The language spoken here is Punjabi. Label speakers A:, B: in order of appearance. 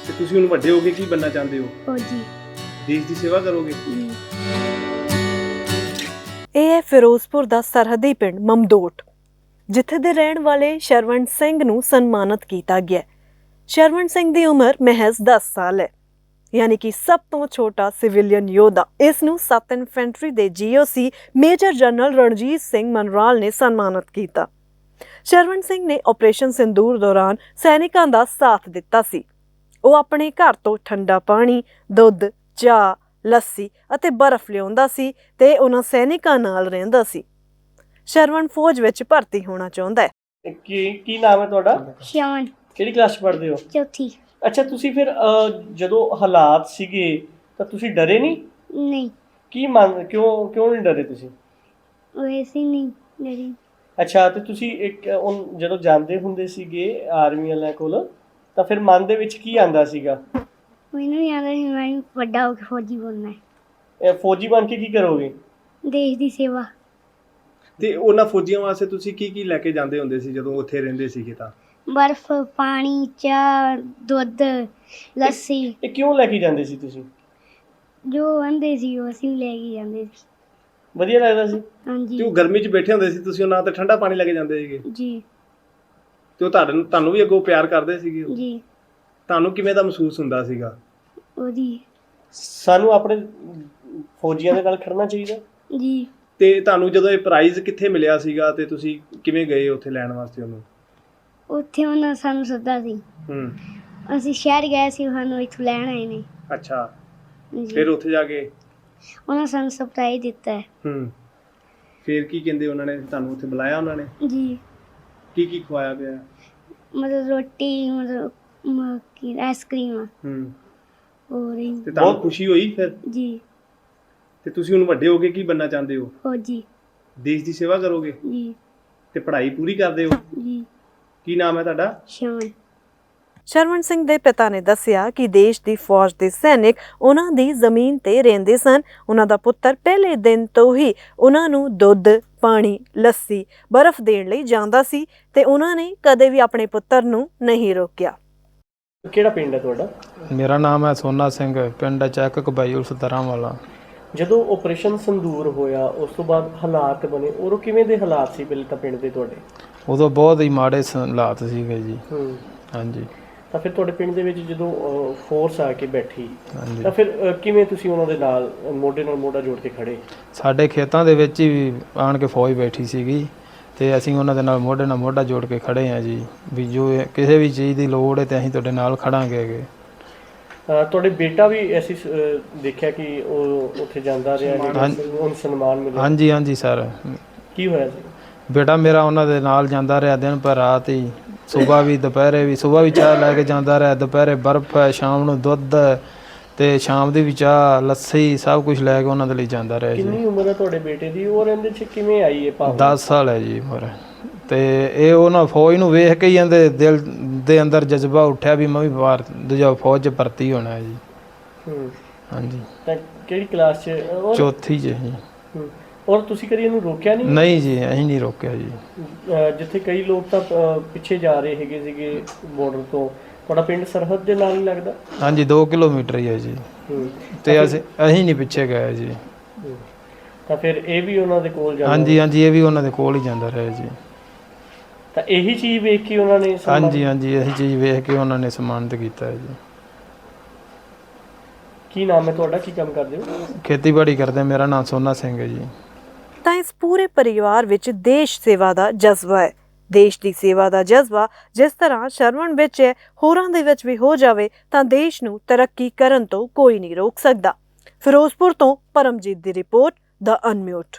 A: ਤੇ ਤੁਸੀਂ ਹੁਣ ਵੱਡੇ ਹੋ ਕੇ ਕੀ ਬਣਨਾ ਚਾਹੁੰਦੇ ਹੋ?
B: फौजी।
A: ਦੇਸ਼ ਦੀ ਸੇਵਾ ਕਰੋਗੇ?
C: ਇਹ ਹੈ ਫਿਰੋਜ਼ਪੁਰ ਦਾ ਸਰਹੱਦੀ ਪਿੰਡ ਮਮਦੋਟ, ਜਿੱਥੇ ਦੇ ਰਹਿਣ ਵਾਲੇ ਸ਼ਰਵਣ ਸਿੰਘ ਨੂੰ ਸਨਮਾਨਿਤ ਕੀਤਾ ਗਿਆ। ਸ਼ਰਵਣ ਸਿੰਘ ਦੀ ਉਮਰ ਮਹਿਜ਼ 10 ਸਾਲ ਹੈ, ਯਾਨੀ ਕਿ ਸਭ ਤੋਂ ਛੋਟਾ ਸਿਵਿਲੀਅਨ ਯੋਧਾ। ਇਸ ਨੂੰ 7 ਇਨਫੈਂਟਰੀ ਦੇ GOC major general Ranjit Singh Manral ਨੇ ਸਨਮਾਨਿਤ ਕੀਤਾ। ਸ਼ਰਵਣ ਸਿੰਘ ਨੇ ਆਪਰੇਸ਼ਨ ਸਿੰਦੂਰ ਦੌਰਾਨ ਸੈਨਿਕਾਂ ਦਾ ਸਾਥ ਦਿੱਤਾ ਸੀ। ਉਹ ਆਪਣੇ ਘਰ ਤੋਂ ਠੰਡਾ ਪਾਣੀ, ਦੁੱਧ, ਚਾਹ, ਲੱਸੀ ਅਤੇ ਬਰਫ਼ ਲਿਆਉਂਦਾ ਸੀ ਤੇ ਉਹਨਾਂ ਸੈਨਿਕਾਂ ਨਾਲ ਰਹਿੰਦਾ ਸੀ। ਸ਼ਰਵਣ ਫੌਜ ਵਿੱਚ ਭਰਤੀ ਹੋਣਾ ਚਾਹੁੰਦਾ ਹੈ।
A: ਕੀ ਨਾਮ ਹੈ ਤੁਹਾਡਾ?
B: श्यामन।
A: ਕਿਹੜੀ ਕਲਾਸ 'ਚ ਪੜ੍ਹਦੇ ਹੋ?
B: चौथी।
A: ਅੱਛਾ, ਤੁਸੀਂ ਫਿਰ ਜਦੋਂ ਹਾਲਾਤ ਸੀਗੇ ਤਾਂ ਤੁਸੀਂ ਡਰੇ ਨਹੀਂ?
B: नहीं,
A: ਕਿਉਂ ਨਹੀਂ ਡਰੇ ਤੁਸੀਂ?
B: वैसे ही नहीं डरी।
A: ਅੱਛਾ, ਤੇ ਤੁਸੀਂ ਜਦੋਂ ਜਾਂਦੇ ਹੁੰਦੇ ਸੀਗੇ ਆਰਮੀ ਵਾਲਿਆਂ ਕੋਲ ਤਾਂ ਫਿਰ ਮਨ ਦੇ ਵਿੱਚ ਕੀ ਆਂਦਾ ਸੀਗਾ?
B: मैंने याद है मैं बड़ा होकर फौजी बनना है।
A: ਇਹ ਫੌਜੀ ਬਣ ਕੇ ਕੀ ਕਰੋਗੇ?
B: देश की सेवा।
A: ਤੇ ਉਹਨਾਂ ਫੌਜੀਆਂ ਵਾਸਤੇ ਤੁਸੀਂ ਕੀ ਲੈ ਕੇ ਜਾਂਦੇ ਹੁੰਦੇ ਸੀ ਜਦੋਂ ਉੱਥੇ ਰਹਿੰਦੇ ਸੀਗੇ ਤਾਂ?
B: बर्फ, पानी, चाह, दुध, लस्सी
A: ਇਹ ਕਿਉਂ ਲੈ ਕੇ ਜਾਂਦੇ ਸੀ ਤੁਸੀਂ?
B: जो आंदे सी वो असीं लेके जांदे सी।
A: ਵਧੀਆ ਲੱਗਦਾ ਸੀ?
B: हाँ
A: ਤੇ
B: जी।
A: ਉਹ ਗਰਮੀ 'ਚ ਬੈਠੇ ਹੁੰਦੇ ਸੀ ਤੁਸੀਂ, ਉਹਨਾਂ ਤੇ ਠੰਡਾ ਪਾਣੀ ਲੈ ਕੇ ਜਾਂਦੇ ਸੀਗੇ
B: जी
A: ਤੇ ਉਹ ਤੁਹਾਨੂੰ ਵੀ ਅੱਗੋਂ ਪਿਆਰ ਕਰਦੇ ਸੀਗੇ ਉਹ?
B: जी।
A: ਤੁਹਾਨੂੰ ਕਿਵੇਂ ਦਾ ਮਹਿਸੂਸ ਹੁੰਦਾ ਸੀਗਾ?
B: ओदी।
A: ਸਾਨੂੰ ਆਪਣੇ ਫੌਜੀਆਂ ਦੇ ਨਾਲ ਖੜਨਾ ਚਾਹੀਦਾ।
B: जी।
A: ਤੇ ਤੁਹਾਨੂੰ ਜਦੋਂ ਇਹ ਪ੍ਰਾਈਜ਼ ਕਿੱਥੇ ਮਿਲਿਆ ਸੀਗਾ ਤੇ ਤੁਸੀਂ ਕਿਵੇਂ ਗਏ ਉੱਥੇ ਲੈਣ ਵਾਸਤੇ ਉਹਨੂੰ?
B: ਉੱਥੇ ਉਹਨਾਂ ਸਾਨੂੰ ਸੱਦਾ ਸੀ। ਅਸੀਂ ਸ਼ਹਿਰ ਗਏ ਸੀ, ਸਾਨੂੰ ਇੱਥੋਂ ਲੈਣ ਆਏ ਨੇ।
A: ਅੱਛਾ,
B: ਜੀ।
A: ਫਿਰ ਉੱਥੇ ਜਾ ਕੇ
B: ਉਹਨਾਂ ਸਾਨੂੰ ਸਰਪ੍ਰਾਈਜ਼ ਦਿੱਤਾ ਹੈ।
A: ਫਿਰ ਕੀ ਕਹਿੰਦੇ ਉਹਨਾਂ ਨੇ? ਤੁਹਾਨੂੰ ਉੱਥੇ ਬੁਲਾਇਆ ਉਹਨਾਂ ਨੇ?
B: ਜੀ।
A: ਕੀ ਖਵਾਇਆ ਪਿਆ?
B: ਮਤਲਬ ਰੋਟੀ, ਮਤਲਬ ਕੀ ਆਈਸਕ੍ਰੀਮ ਹੋਰ ਹੀ।
A: ਤੇ ਤੁਹਾਨੂੰ ਖੁਸ਼ੀ ਹੋਈ ਫਿਰ?
B: ਜੀ।
A: ਤੇ ਤੁਸੀਂ ਹੁਣ ਵੱਡੇ ਹੋ ਕੇ ਕੀ ਬਣਨਾ ਚਾਹੁੰਦੇ ਹੋ?
B: ਫੌਜੀ।
A: ਦੇਸ਼ ਦੀ ਸੇਵਾ ਕਰੋਗੇ?
B: ਜੀ।
A: ਤੇ ਪੜ੍ਹਾਈ ਪੂਰੀ ਕਰਦੇ ਹੋ?
B: ਜੀ।
A: ਕੀ ਨਾਮ ਹੈ ਤੁਹਾਡਾ?
B: ਸ਼ਾਮਨ।
C: ਸ਼ਰਵਣ ਸਿੰਘ ਦੇ ਪਿਤਾ ਨੇ ਦੱਸਿਆ ਕਿ ਦੇਸ਼ ਦੀ ਫੌਜ ਦੇ ਸੈਨਿਕ ਉਹਨਾਂ ਦੀ ਜ਼ਮੀਨ ਤੇ ਰਹਿੰਦੇ ਸਨ। ਉਹਨਾਂ ਦਾ ਪੁੱਤਰ ਪਹਿਲੇ ਦਿਨ ਤੋਂ ਹੀ ਉਹਨਾਂ ਨੂੰ ਦੁੱਧ, ਪਾਣੀ, ਲੱਸੀ, ਬਰਫ਼ ਦੇਣ ਲਈ ਜਾਂਦਾ ਸੀ ਤੇ ਉਹਨਾਂ ਨੇ ਕਦੇ ਵੀ ਆਪਣੇ ਪੁੱਤਰ ਨੂੰ ਨਹੀਂ ਰੋਕਿਆ।
A: ਕਿਹੜਾ ਪਿੰਡ ਹੈ ਤੁਹਾਡਾ?
D: ਮੇਰਾ ਨਾਮ ਹੈ ਸੋਨਾ ਸਿੰਘ, ਪਿੰਡ ਚੈੱਕ ਕਬਾਈ ਉਲਸ ਦਰਾਂ ਵਾਲਾ।
A: ਜਦੋਂ ਆਪਰੇਸ਼ਨ ਸੰਦੂਰ ਹੋਇਆ ਉਸ ਤੋਂ ਬਾਅਦ ਹਾਲਾਤ ਬਣੇ, ਉਦੋਂ ਕਿਵੇਂ ਦੇ ਹਾਲਾਤ ਸੀ ਪਹਿਲੇ ਤਾਂ ਪਿੰਡ ਦੇ ਤੁਹਾਡੇ?
D: ਉਦੋਂ ਬਹੁਤ ਹੀ ਮਾੜੇ ਹਾਲਾਤ ਸੀਗੇ ਜੀ। ਹਾਂਜੀ।
A: ਤਾਂ ਫਿਰ ਤੁਹਾਡੇ ਪਿੰਡ ਦੇ ਵਿੱਚ ਜਦੋਂ ਫੋਰਸ ਆ ਕੇ ਬੈਠੀ
D: ਹਾਂਜੀ।
A: ਤਾਂ ਫਿਰ ਕਿਵੇਂ ਤੁਸੀਂ ਉਹਨਾਂ ਦੇ ਨਾਲ ਮੋਢੇ ਨਾਲ ਮੋਢਾ ਜੋੜ ਕੇ ਖੜੇ?
D: ਸਾਡੇ ਖੇਤਾਂ ਦੇ ਵਿੱਚ ਹੀ ਆਣ ਕੇ ਫੌਜ ਬੈਠੀ ਸੀਗੀ ਤੇ ਅਸੀਂ ਉਹਨਾਂ ਦੇ ਨਾਲ ਮੋਢੇ ਨਾਲ ਮੋਢਾ ਜੋੜ ਕੇ ਖੜੇ ਹਾਂ ਜੀ, ਵੀ ਜੋ ਕਿਸੇ ਵੀ ਚੀਜ਼ ਦੀ ਲੋੜ ਹੈ ਤੇ ਅਸੀਂ ਤੁਹਾਡੇ ਨਾਲ ਖੜਾਂਗੇ।
A: ਤੁਹਾਡੇ ਬੇਟਾ ਵੀ ਅਸੀਂ ਦੇਖਿਆ ਕਿ ਉਹ ਉੱਥੇ ਜਾਂਦਾ ਰਿਹਾ, ਉਹਨੂੰ ਸਨਮਾਨ ਮਿਲਿਆ।
D: ਹਾਂਜੀ ਹਾਂਜੀ ਸਰ।
A: ਕੀ ਹੋਇਆ ਸੀ?
D: ਬੇਟਾ ਮੇਰਾ ਉਹਨਾਂ ਦੇ ਨਾਲ ਜਾਂਦਾ ਰਿਹਾ ਦਿਨ ਪਰ ਰਾਤ ਹੀ, ਸੁਬਾਹ ਵੀ ਦੁਪਹਿਰੇ ਵੀ। ਸੁਬਾਹ ਵੀ ਚਾਹ ਲੈ ਕੇ ਜਾਂਦਾ ਰਿਹਾ, ਦੁਪਹਿਰੇ ਬਰਫ਼ ਹੈ, ਸ਼ਾਮ ਨੂੰ ਦੁੱਧ ਤੇ ਸ਼ਾਮ ਦੀ ਵੀ ਚਾਹ, ਲੱਸੀ, ਸਭ ਕੁਝ ਲੈ ਕੇ ਉਹਨਾਂ ਦੇ ਲਈ ਜਾਂਦਾ ਰਿਹਾ ਜੀ।
A: ਕਿੰਨੀ ਉਮਰ ਹੈ ਤੁਹਾਡੇ ਬੇਟੇ ਦੀ? ਉਹ ਇਹਦੇ 'ਚ ਕਿਵੇਂ ਆਈ ਇਹ ਭਾਵਨਾ?
D: 10 ਸਾਲ ਹੈ ਜੀ ਉਮਰ। ਤੇ ਇਹ ਉਹਨਾਂ ਫੌਜ ਨੂੰ ਵੇਖ ਕੇ ਹੀ ਇਹਦੇ ਦਿਲ ਦੇ ਅੰਦਰ ਜਜ਼ਬਾ ਉੱਠਿਆ ਵੀ ਮੈਂ ਵੀ ਦੂਜਾ ਫੌਜ 'ਚ ਭਰਤੀ ਹੋਣਾ ਹੈ ਜੀ। ਹਾਂਜੀ।
A: ਤਾਂ ਕਿਹੜੀ ਕਲਾਸ 'ਚ?
D: ਚੌਥੀ 'ਚ ਜੀ।
A: ਔਰ ਤੁਸੀਂ ਕਦੀ ਇਹਨੂੰ ਰੋਕਿਆ ਨਹੀਂ?
D: ਨਹੀਂ ਜੀ, ਅਸੀਂ ਨਹੀਂ ਰੋਕਿਆ ਜੀ।
A: ਜਿੱਥੇ ਕਈ ਲੋਕ ਤਾਂ ਪਿੱਛੇ ਜਾ ਰਹੇ ਹੈਗੇ ਸੀਗੇ ਬਾਰਡਰ ਤੋਂ, ਤੁਹਾਡਾ ਪਿੰਡ ਸਰਹੱਦ ਦੇ ਨਾਲ ਹੀ ਲੱਗਦਾ?
D: ਹਾਂਜੀ, 2 ਕਿਲੋਮੀਟਰ ਹੀ ਹੈ ਜੀ। ਤੇ ਅਸੀਂ ਨਹੀਂ ਪਿੱਛੇ ਗਏ ਜੀ।
A: ਤਾਂ ਫਿਰ ਇਹ ਵੀ ਉਹਨਾਂ ਦੇ ਕੋਲ ਜਾਂਦਾ?
D: ਹਾਂਜੀ ਹਾਂਜੀ, ਇਹ ਵੀ ਉਹਨਾਂ ਦੇ ਕੋਲ ਹੀ ਜਾਂਦਾ ਰਿਹਾ ਜੀ।
A: ਤਾਂ ਇਹੀ ਚੀਜ਼ ਵੇਖ ਕੇ ਉਹਨਾਂ ਨੇ?
D: ਹਾਂਜੀ ਹਾਂਜੀ, ਇਹੀ ਚੀਜ਼ ਵੇਖ ਕੇ ਉਹਨਾਂ ਨੇ ਸਨਮਾਨਿਤ ਕੀਤਾ ਹੈ ਜੀ।
A: ਕੀ ਨਾਮ ਹੈ ਤੁਹਾਡਾ? ਕੀ ਕੰਮ ਕਰਦੇ ਹੋ?
D: ਖੇਤੀਬਾੜੀ ਕਰਦੇ। ਮੇਰਾ ਨਾਮ ਸੋਨਾ ਸਿੰਘ ਹੈ ਜੀ।
C: ਤਾਂ ਇਸ ਪੂਰੇ ਪਰਿਵਾਰ ਵਿੱਚ ਦੇਸ਼ ਸੇਵਾ ਦਾ ਜਜ਼ਬਾ ਹੈ। ਦੇਸ਼ ਦੀ ਸੇਵਾ ਦਾ ਜਜ਼ਬਾ ਜਿਸ ਤਰ੍ਹਾਂ ਸ਼ਰਵਣ ਵਿੱਚ ਹੈ, ਹੋਰਾਂ ਦੇ ਵਿੱਚ ਵੀ ਹੋ ਜਾਵੇ ਤਾਂ ਦੇਸ਼ ਨੂੰ ਤਰੱਕੀ ਕਰਨ ਤੋਂ ਕੋਈ ਨਹੀਂ ਰੋਕ ਸਕਦਾ। ਫਿਰੋਜ਼ਪੁਰ ਤੋਂ ਪਰਮਜੀਤ ਦੀ ਰਿਪੋਰਟ, ਦ ਅਨਮਿਊਟ।